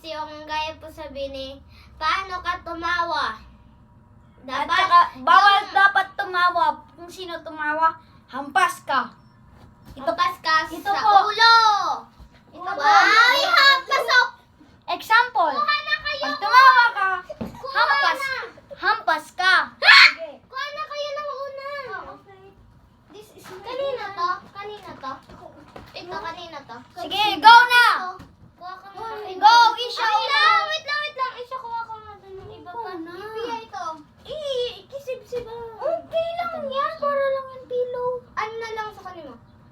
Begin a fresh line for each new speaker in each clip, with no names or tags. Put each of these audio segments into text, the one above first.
yung gaya po sabihin eh, paano ka tumawa?
At saka, bawal dapat tumawa. Kung sino tumawa, hampas ka.
Hampas ka
ito
sa
po.
ulo. Ito
Ulo.
po. Ay, hampas ako.
Example,
Kuha na kayo.
pag tumawa ka,
Kuha
hampas,
na.
hampas ka.
Kuha na kayo ng una.
Okay.
This is kanina to? Kanina to? Ito, kanina to?
Sige, go na!
Kuha ka nga.
Go, Isha,
Wait
una.
lang, wait lang, wait lang. Isha, kuha ka nga dun ng iba pa.
na.
Ipiya ito. Kisib-sib. Okay lang yan. Para lang yung pillow. Ano na lang sa kanimo?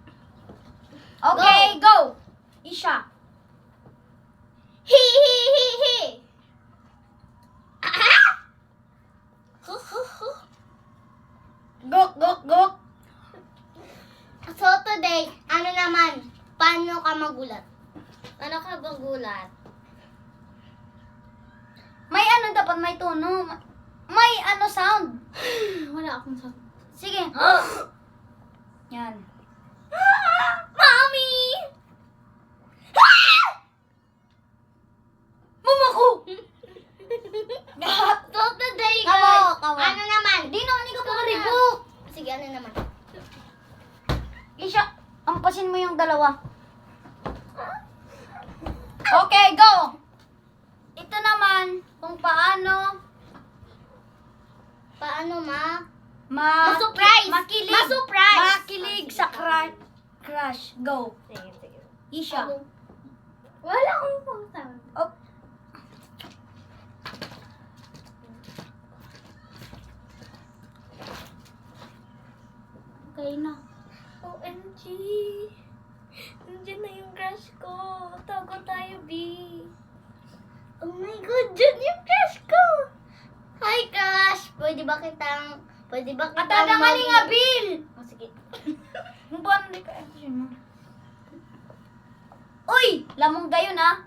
Okay, go! Isha.
Hi, hi, hi, hi.
Gok, gok, gok.
So today, ano naman? Paano ka magulat? Paano ka magulat?
May ano dapat, may tono. May ano sound.
Wala akong sabi.
Sige. Yan.
Mommy!
Mumako!
So today,
Kawo,
guys,
kawo.
ano naman?
Di naman ikaw
Ito
pa
na.
rebook.
Sige, ano naman?
Isha, ampasin mo yung dalawa. Okay, go! Ito naman, kung paano
Paano
ma-surprise.
Makilig.
Ma-surprise.
Ma-surprise.
Makilig sa crush. Go.
Sige, sige.
Isha.
Wala akong pausa.
Oh.
Okay na. OMG. Nandiyan na yung crush ko. Tago tayo, B. Oh my God, dyan yung crush ko. Hi, crush. Pwede ba kitang
Atadangali nga, Bill!
Oh, sige.
Kung paano di ka mo. Uy! Lamong gayon, ha?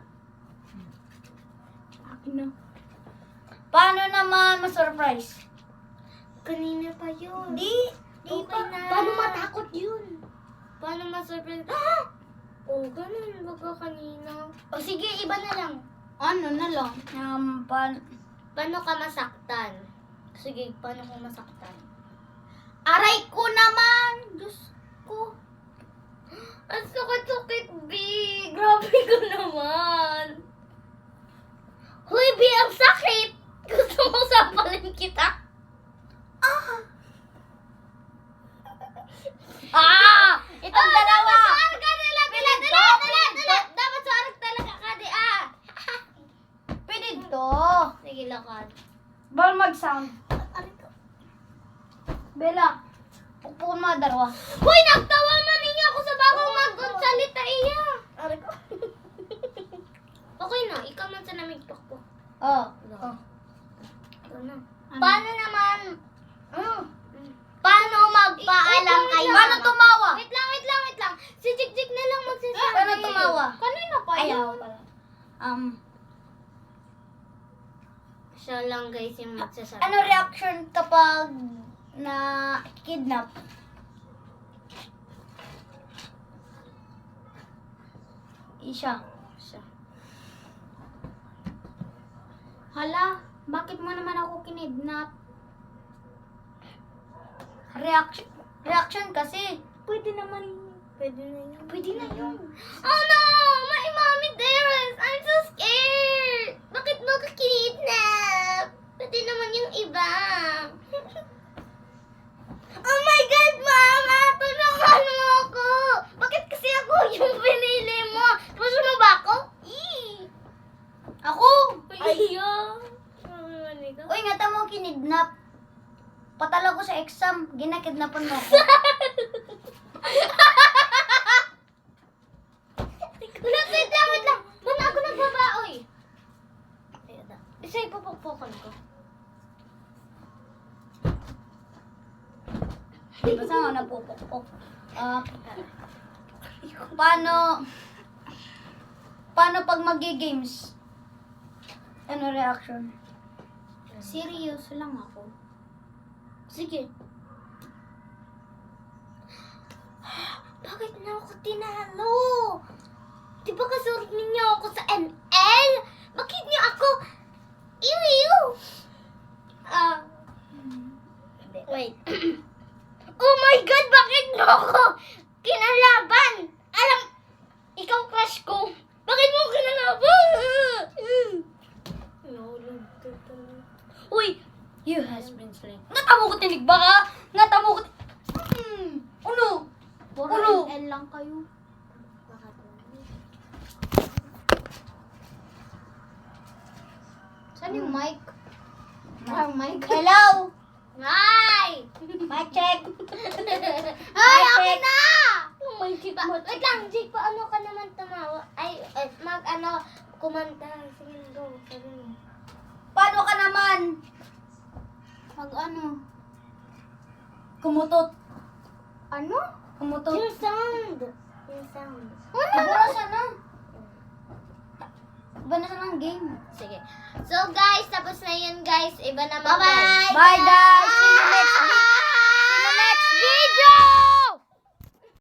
Akin na.
Paano naman ma-surprise?
Kanina pa yun.
Di
Okay
pa.
na.
Paano matakot yun?
Paano ma-surprise? Oh, ganun. Baga kanina. O sige, iba na lang.
Ano na lang?
Paano ka masaktan? Sige, paano ka masaktan?
Aray ko naman! Diyos ko.
Ang sakit-sakit, B. Grabe ko naman. Huy, B, ang sakit. Gusto mo sapalin kita?
Itong dalawa!
Suarag ka nila, dala. Dapat suarag talaga ka, di
Pwede to.
Sige, lakad.
Bawal mag-sound.
Aray ko.
Bella, pukpukin mo ang dalawa.
Huy, nagtawa man ninyo ako sa bagong magsalita iya.
Aray ko.
Okay na, ikaw man sa namig pakpo.
Oh.
Ito na. Paano naman, paano magpaalam kayo?
Paano tumawa?
Wait lang. Si Jik na lang magsasabi.
Paano tumawa?
Kanina pa
Ayaw
yun.
pala.
Siya lang guys yung magsasabi.
Ano reaction kapag na kidnap? Isha.
Siya. Hala, bakit mo naman ako kinidnap?
Reaction kasi.
Pwede naman na yun.
Pwede na yun.
Oh no! My mommy dearest! I'm so scared! Bakit mo ka kinidnap? Pwede naman yung iba. Oh my God, Mama! Tulungan mo ako! Bakit kasi ako yung pinili mo? Gusto mo ba ako?
Ako!
Ayaw!
Uy, nga tamo kinidnap. Patalo ko sa exam, ginakidnapan mo ako.
Wait lang! Ba't ako nagbabaoy? Isa ipupukpukan ko.
Basta nga napupukpok. Paano pag magi-games? Ano reaction?
Seryoso lang ako. Sige. Bakit na ako tinalo? Di ba kasurot ninyo ako sa ML? ko kinalaban. Alam, ikaw crush ko. Bakit mo kinalaban?
Uy! You has been slain. Natamo ko tinig ba ka? Natamo ko... Ulo! Ulo!
L lang kayo. Saan yung mic? Parang mic.
Hello!
Hi!
Mic check!
Ay,
Mic
okay
check.
na! Wait lang, Jake, paano ka naman tumawa? Kumanta. Sige, go. Sabi mo.
Paano ka naman? Kumutot.
Ano?
Kumutot.
Yung sound. Yung sound.
Iba na sana. Iba na sana ang game.
Sige. So, guys, tapos na yun, guys. Iba naman.
Bye guys! See you